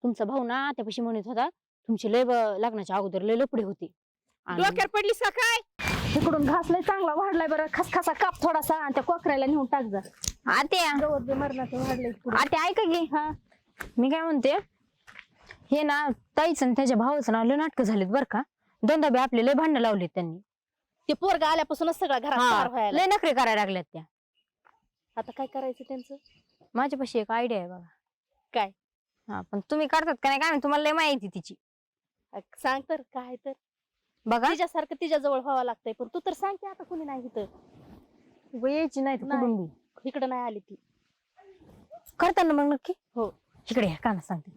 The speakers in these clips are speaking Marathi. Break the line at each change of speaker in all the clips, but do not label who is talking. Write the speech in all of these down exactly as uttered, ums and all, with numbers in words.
तुमचा भाऊ ना त्यापाशी म्हणत होता तुमची लय ब- लग्नाच्या अगोदर लय लपडे होते आणि
डोक्यावर पडलीस का काय?
इकडून घास लय चांगला वाढलाय बरं, खसखसा काप थोडासा आणि त्या कोकऱ्याला नेऊन टाक जा.
आत्या
गवत बी मरणाचं वाढलंय पुढं.
आत्या ऐका की
हा
मी काय म्हणते हे ना ताईच आणि त्याच्या भावाचं ना लय नाटकं झालीत बरं का. दोनदा बी आपले लय भांडणं लावलीत त्यांनी.
ते पोरगा आल्यापासूनच सगळा घरात
हा,
पार व्हायला.
लय नखरे करायला लागल्यात त्या.
आता काय करायचं त्यांचं?
माझ्यापाशी एक आयडिया आहे बघा.
काय?
हा पण तुम्ही करतात का नाही काय माहित, तुम्हाला लय माहिती तिची.
अ, सांग तर काय तर
बघा
तिच्यासारखं तिच्या जवळ व्हावं लागतंय, पण तू तर सांग की आता कोणी नाही इथं.
उगा यायची नाही तर
नाही.
कुठून बी
इकडं नाही आली ती.
करताना मग नक्की.
हो.
इकडे या काना सांगते.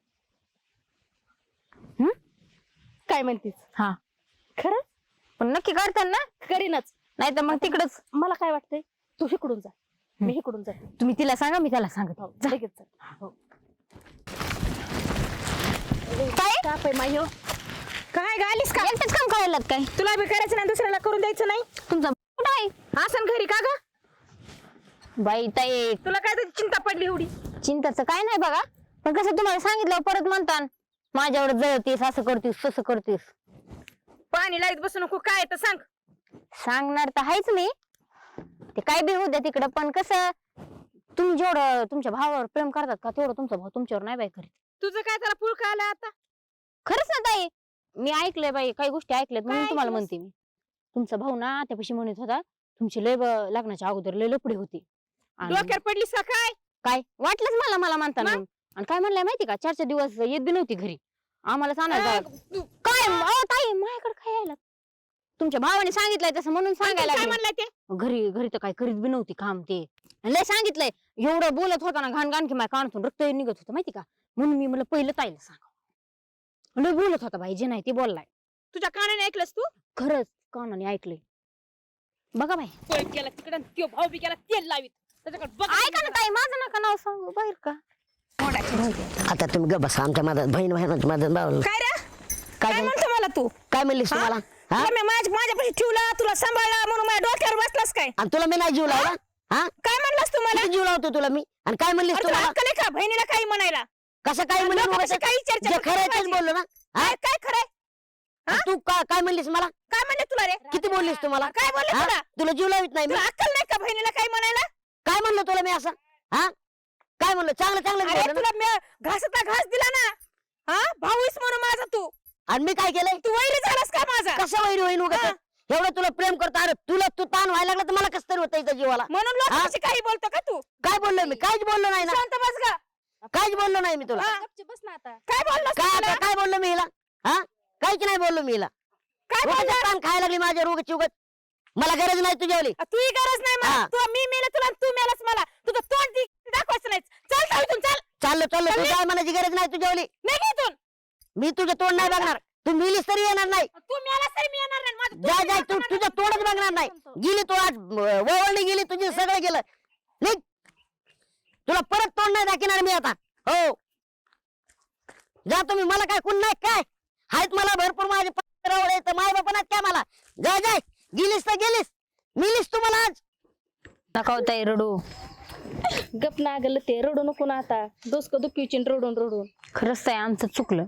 काय म्हणतीस?
हा
खरं
पण नक्की करताना
करीनच.
नाही तर मग तिकडच.
मला काय वाटतंय तू इकडून जा, मी इकडून जाते.
तुम्ही तिला सांगा मी त्याला सांगत.
हो,
जा.
लगेच जा. हो.
काय
काप आहे माय हो.
काय गालीस का?
एकटेच काम करायला काय
तुला बी करायचं नाही, दुसऱ्याला करून द्यायचं नाही.
तुमचा कुठं आहे
आसन घरी का ग?
बाई ताई
तुला काय त्याची चिंता पडली एवढी?
चिंताचं काय नाही बघा, पण कसं तुम्हाला सांगितलं परत म्हणता माझ्यावर जळतीस असं करतीस तसं करतीस.
पाणी लाईत बसू नको, काय तर सांग.
सांगणार तर आहेच मी, ते काय बी होऊ द्या तिकडं. पण कसं तुम्ही जेवढं तुमच्या भावावर प्रेम करतात का तेवढं तुमचा भाऊ तुमच्यावर नाही बाई करीत.
तुझं काय त्याला पुळका आला आता?
खरंच ना ताई, मी ऐकलंय बाई, काही गोष्टी ऐकल्यात म्हणून
काय
तुम्हाला
ऐकलंस?
म्हणते मी. तुमचा भाऊ ना त्यापाशी म्हणत होता तुमची लय ब- लग्नाच्या अगोदर लय लपडे होते आणि
डोक्यावर पडलीस का काय?
काय वाटलंच मला मला म्हणताना.
मग?
आणि काय म्हणलंय माहिती का, चार चार दिवस येत बी नव्हती घरी आम्हाला सांगायला.
अं, तू-
काय अहो ताई माझ्याकडे काय यायला, तुमच्या भावाने सांगितलंय तसं म्हणून सांगायला
काय
लागले.
म्हणलं ते?
घरी घरी तर काय करीत बी नव्हती काम ते. आणि लय सांगितलंय एवढं बोलत होता ना घाण घाण की माझ्या कानातून रक्त निघत होतं माहिती का. म्हणून मी मला पहिलं ताईला सांग, लय बोलत होता बाई, जे नाही ते बोललाय.
तुझ्या कानाने ऐकलंस तू?
खरंच कानाने ऐकलंय बघा बाई.
पळ केला तिकडं, त्यो भाऊ बी केला तेल लावीत. त्याच्याकडे बघ.
ऐका ना ताई, माझं नका नाव सांगू बाहेर का.
आता तुम्ही ग बसा, आमच्या मदत बहीण बहिणाची मदत भाऊ
काय रे?
काय
काय
झालं?
म्हणतो मला तू?
काय म्हणलीस
हा?
तुम्हाला हा
तुला मी माझ्या माझ्यापाशी ठेवला, तुला सांभाळला म्हणून माझ्या डोक्यावर बसलास काय?
आणि तुला मी नाही जीव लावला हा
काय म्हणलास तू मला?
किती जीव लावतो तुला मी, आणि काय म्हणलीस
अरे तुला
तुम्हाला
अक्कल आहे का बहिणीला काही म्हणायला?
कसं काय म्हणलं
लोकांपाशी काही चर्चा
जे
करू
खरं आहे तेच
नका.
बोललो ना हा?
काय काय खरंय?
आणि तू का- काय म्हणलीस मला,
काय म्हणले तुला रे?
किती बोललीस तुम्हाला
काय बोलले
हा?
तुला?
तुला जीव लावित नाही मी,
तुला अक्कल नाही का बहिणीला काही म्हणायला?
काय म्हणलं तुला मी असं हा काय म्हणलं, चांगलं चांगलं
अरे
बोललो ना.
तुला मी घासता घास दिला ना, हा भाऊस म्हणून माझा तू
आणि मी काय केलंय,
तू वैरी झालास का माझा?
कसं वैरी होईन उगाच?
हा.
एवढं तुला प्रेम करतो, अरे तुला तू ताण व्हायला लागला तर मला कसं तरी होतं इथं जीवाला.
म्हणून लोकांशी काही बोलतो का तू?
काय बोललो मी, काहीच बोललो नाही ना,
शांत बस गा.
काहीच बोललो नाही मी तुला.
हा.
गपचूप बस ना आता.
काय बोललास
काय
तू
आता
मला?
काय बोललो मी हिला हा काहीच नाही बोललो मी हिला.
काय
उगाच
बोलला?
ताण खायला लागली माझ्या रोगाची उगत, मला गरज नाही तुझ्यावली.
तुही गरज नाही मला.
हा.
तू मी मेले तुला आणि तू मेलास मला. तुझं तोंड ती दाखवायचं नाही. चल जाऊ इथून, चल.
चाललो चाललो तू काय म्हणायची गरज नाही तुझ्यावली.
निघ इथून.
मी तुझं तोंड नाही बघणार, तू मिलीस तरी येणार नाही.
तू मेलास तरी मी येणार नाही. माझं
जा
तोंड
जा, तू
दाखवणार
तुझं
नाही.
तोंडच बघणार नाही. गेली तू आज वळणी गेली तुझी, सगळं गेलं. निघ, तुला परत तोंड नाही दाखवणार मी आता. हो जा तुम्ही, मला काय कुण नाही काय आहेत, मला भरपूर माझे पत्र माय बापा काय मला. जा जाय, गेलीस तर गेलीस, मिलीस तू मला आज.
नका हो ताई रडू,
गप ना गल ते रडू नको ना आता. दोसक दुखीची रडून रडून.
खरंच ताई आमचं चुकलं.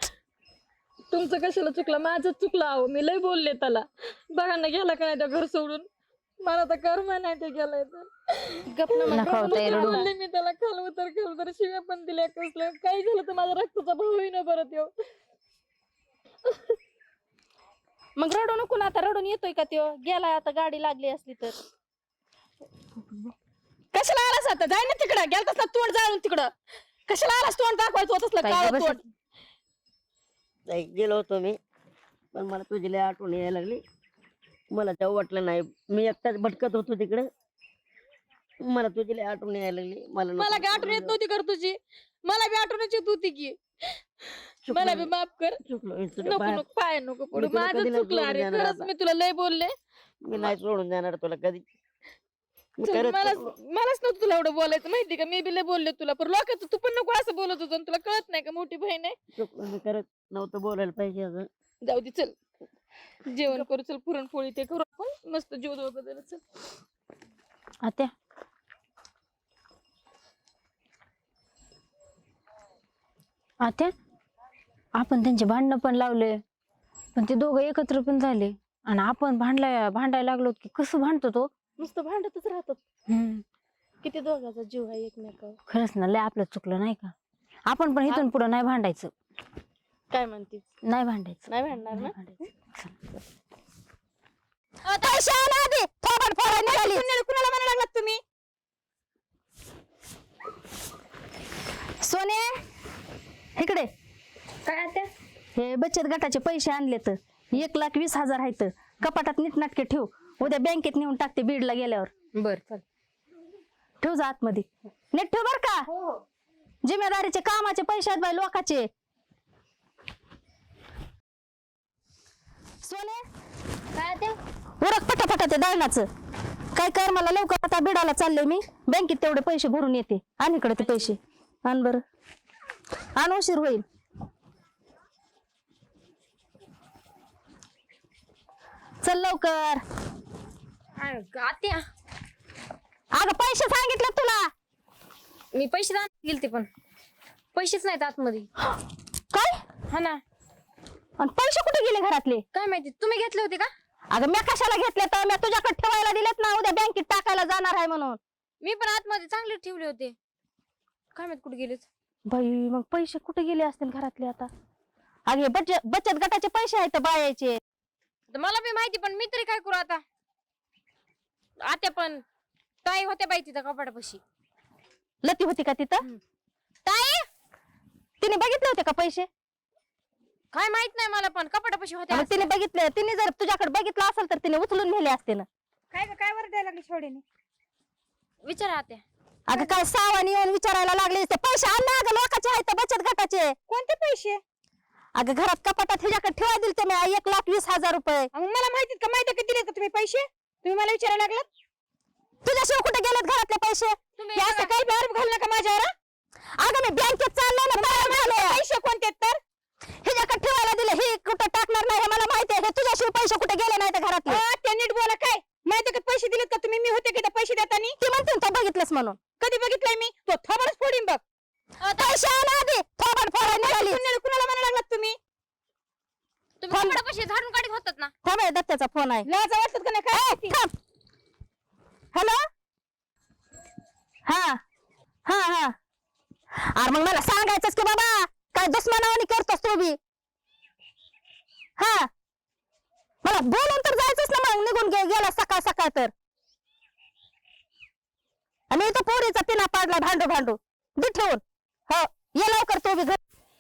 तुमचं कशाला चुकलं, माझं चुकलं. अहो मी लय बोलले त्याला, बघा ना गेला का नाही त्या घर सोडून. मला तर कर्म नाही ते गेलाय तर.
गप ना मग.
नका हो ताई रडू.
बोलले मी त्याला, खाल उतर खाल उतर शिव्या पण दिल्या. कसलं काही झालं तर माझा रक्ताचा भाऊ ना परत येऊ.
मग रडू नको ना आता. रडून येतोय का त्यो? गेलाय आता, गाडी लागली असली तर.
कशाला आलास आता? जाय ना तिकडं. गेलतास ना तोंड जाळून तिकडं. कशाला आलास तोंड दाखवायचं होत असलं
ताई,
काळं
बस.
तोंड?
नाही, गेलो होतो मी, पण मला तुझी लय आठवण यायला लागली. मला तेव्हा वाटलं नाही, मी एकटाच भटकत होतो तिकडे, मला तुझी लय आठवण यायला लागली. मला नको
मला काय आठवण येत नव्हती कर तुझी, मला बी आठवणच येत होती की. मला बी माफ कर.
चुकलो मी तुझ्या
नको
पाया-
नको पाय नको पडू.
मी तुला
माझं
कधी नाही
चुकलं. अरे
सोडून देणार
खरंच
आता.
मी तुला लय बोलले.
मी नाही सोडून देणार तुला कधी. मी
चल,
खरंच
मलाच
चुकलो.
मलाच नव्हतं तुला एवढं बोलायचं माहिती का. मी बी लय बोलले तुला, पण लोकांचं तू पण नको असं बोलत होतो. आणि तुला कळत नाही का मोठी बहीण आहे.
चुकलो मी, खरंच नव्हतं बोलायला पाहिजे असं.
जाऊ दे, चल जेवण करू. चल पुरणपोळी ते करू आपण मस्त जेवण वगैरे. चल
आत्या आत्या आपण त्यांचे भांडणं पण लावले पण ते दोघं एकत्र पण झाले आणि आपण भांडला भांडायला लागलो की कसं भांडतो तो.
नुसतं भांडतच राहतात.
हम्म
किती दोघाचा जीव आहे एकमेकावर.
खरंच ना लय आपलं चुकलं नाही का. आपण पण इथून पुढे नाही भांडायचं.
काय म्हणतीस?
नाही भांडायचं
नाही भांडणार ना?
नाही भांडायचं. चल.
पैसे आणा आधी. थोबाड फोडायला निघाली.
कुणाला म्हणायला लागलात तुम्ही?
सोने इकडे.
काय त्या
हे बचत गटाचे पैसे आणले तर एक लाख वीस हजार आहेत. कपाटात नीटनाटके ठेव. उद्या बँकेत नेऊन टाकते बीडला गेल्यावर.
बर चल.
ठेव जा आतमध्ये. नीट ठेव बर का. जिम्मेदारीचे कामाचे पैसे आहेत बाई लोकाचे. सोने
काय ते
उरक पटापटा ते दळणाचं. काय कर मला लवकर आता बिडाला चालले मी. बँकेत तेवढे पैसे भरून येते. आण इकडे ते पैसे. आण बर. आण उशीर होईल. चल लवकर.
आत्या
अगं पैसे सांगितले तुला.
मी पैसे दान गेलते पण पैसेच नाहीत आतमध्ये.
काय
हा ना.
आणि पैसे कुठे गेले घरातले?
काय माहिती तुम्ही घेतले होते का.
अगं मी कशाला घेतले तर मी तुझ्याकडे ठेवायला दिलेत ना. उद्या बँकेत टाकायला जाणार आहे म्हणून.
मी पण आतमध्ये चांगले ठेवले होते. काय माहित कुठे गेलेत.
बाई मग पैसे कुठे गेले असतील घरातले आता. अगे बचत बचत गटाचे पैसे आहेत बायाचे.
तर मला बी माहिती पण मी तरी काय करू आता. आत्या पण ताई होत्या बाई तिथं कपाटापाशी.
लती होती का तिथं?
ताई
तिने बघितले होते का पैसे?
काय माहित नाही मला पण कपाटापाशी होत्या.
मग तिने बघितले. तिने जर तुझ्याकडे बघितलं असेल तर तिने उचलून नेले असते ना.
काय ग, काय वर द्यायला लागली छोडीने?
विचारा आत्या.
अगं काय सावानी येऊन विचारायला लागले. ते पैसे आणले अगं लोकांचे आहेत बचत गटाचे.
कोणते पैसे?
अगं घरात कपाटात ह्याच्याकडे ठेवाय दिले ते मी एक लाख वीस हजार रुपये.
मग मला माहितीत का माहिती का दिले का तुम्ही पैसे? तुम्ही मला विचारायला लागलात?
तुझ्याशिवाय कुठे गेलेत घरातले पैसे?
तुम्ही
हे असं काही आरोप घालू नका माझ्यावर. हा?
अगं मी बँकेत चाललो ना बाहेर झाले.
पैसे कोणते आहेत तर?
ह्याच्याकडे ठेवायला दिले. हे कुठं टाकणार नाही हे मला माहिती आहे. हे तुझ्याशिवाय पैसे कुठे गेले नाही तर घरातले.
अ, ते नीट बोला. काय माहिती का पैसे दिलेत का तुम्ही? मी होते का त्या पैसे देतानी?
ती म्हणते ना, तो बघितलंस म्हणून.
कधी बघितलंय मी? तो थोबाडच फोडीन बघ.
पैसे आणा आधी. थोबाड फोडायला निघाली.
कुणाला कुणाला म्हणायला लागलात तुम्ही?
तुम्ही कपाटापाशी झाडून काढत होतात ना.
थांब हे दत्त्याचा फोन आहे.
लाज वाटत का नाही? काय
थांब. हॅलो. हा हा हा अरे मग मला सांगायचंच की बाबा काय दुश्मनावानी करतोस तू बी. हा मला बोलून तर जायचंच ना. मग निघून गे गेला सकाळ सकाळ तर. आणि इथं पोरीचा पिना पाडला भांडू भांडू. दे ठेवून. हो ये लवकर तू बी घर.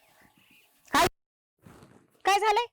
काय झालंय?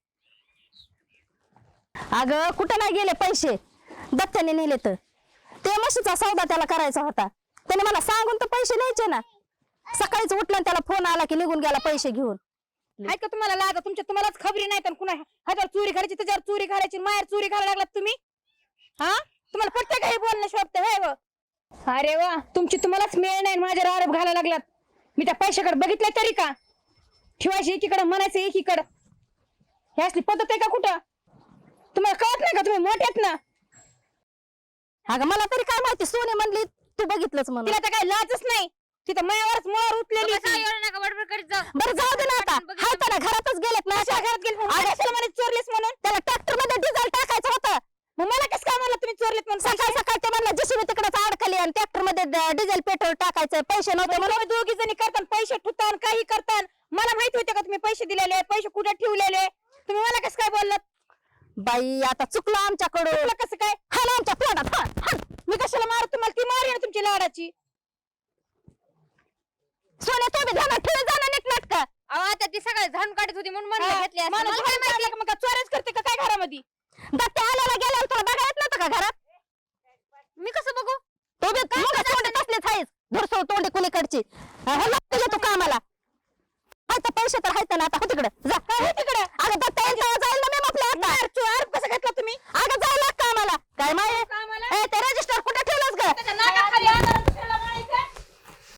अगं कुठं नाही गेले पैसे. दत्त्याने नेले तर. ते म्हशीचा सौदा त्याला करायचा होता. त्याने मला सांगून तर पैसे न्यायचे ना. सकाळीच उठलं आणि त्याला फोन आला की निघून गेला पैसे घेऊन.
हाय का तुम्हाला लाज? तुमच्या तुम्हालाच खबरी नाही तर कुणा हजार चोरी करायची त्याच्यावर चोरी करायची माहेर चोरी करायला लागलात तुम्ही. हा तुम्हाला पटतं का हे बोलणं शोभतं? हे व अरे वा तुमची तुम्हालाच मेळ नाही माझ्यावर आरोप घालायला लागलात. मी त्या पैशाकडे बघितलं तरी का? ठेवायची एकीकडे म्हणायचं एकीकडं. हे असली पद्धत आहे का कुठं? तुम्हाला कळत नाही का? तुम्ही मोठ्यात ना.
अगं मला तरी काय माहिती. सोने म्हणली तू बघितलंच म्हणून.
तिला तर काही लाजच नाही. तिथं मायावरच मोहर उठलेली
बघा,
होती.
एवढं नका बडबड करीत जाऊ.
बरं जाऊ दे ना आता.
बघितलं.
हाय तर ना घरातच गेलेत ना.
कशा घरात गेली?
अगं,
कशाला म्हणे चोरलेस म्हणून?
त्याला ट्रॅक्टर मध्ये डिझेल टाकायचं होतं.
मग मला कसं काय म्हणलं तुम्ही चोरलेत म्हणून?
सकाळ सकाळ ते म्हणलं जेसीबी तिकडे अडकली आणि ट्रॅक्टर मध्ये ड- डिझेल पेट्रोल टाकायचं पैसे नव्हते म्हणून.
तुम्ही दोघी जणी करतान पैसे ठुतान काही करतान. मला माहिती होते का तुम्ही पैसे दिलेले पैसे कुठे ठेवलेले? तुम्ही मला कसं काय बोललात?
बाई आता चुकलं आमच्याकडून.
तुला कसं काय?
हा ना आमच्या तोंडात हा, हा.
मी कशाला मारू तुम्हाला? ती मारी ना तुमची लाडाची.
सोने तू बी ध्यानात ठेव जा ना नीट नाटक.
अहो आत्या ती सगळे झाडून काढत होती म्हणून म्हणलं
हा,
घेतले असते.
माणूस
मला काय
घरात आला का मग काय चोऱ्याच करते का काय घरामध्ये?
दत्ते आल्याला गेल्यावर तुला बघा येत नव्हतं का घरात?
मी कसं बघू?
तू बी मुंगा तोंडी तसलीच आहेस. धुरसो तोंडी कुणीकडची. हा, हो लागतं तू कामाला. हाय तर पैसे तर हायत ना आता. हो तिकडे जा.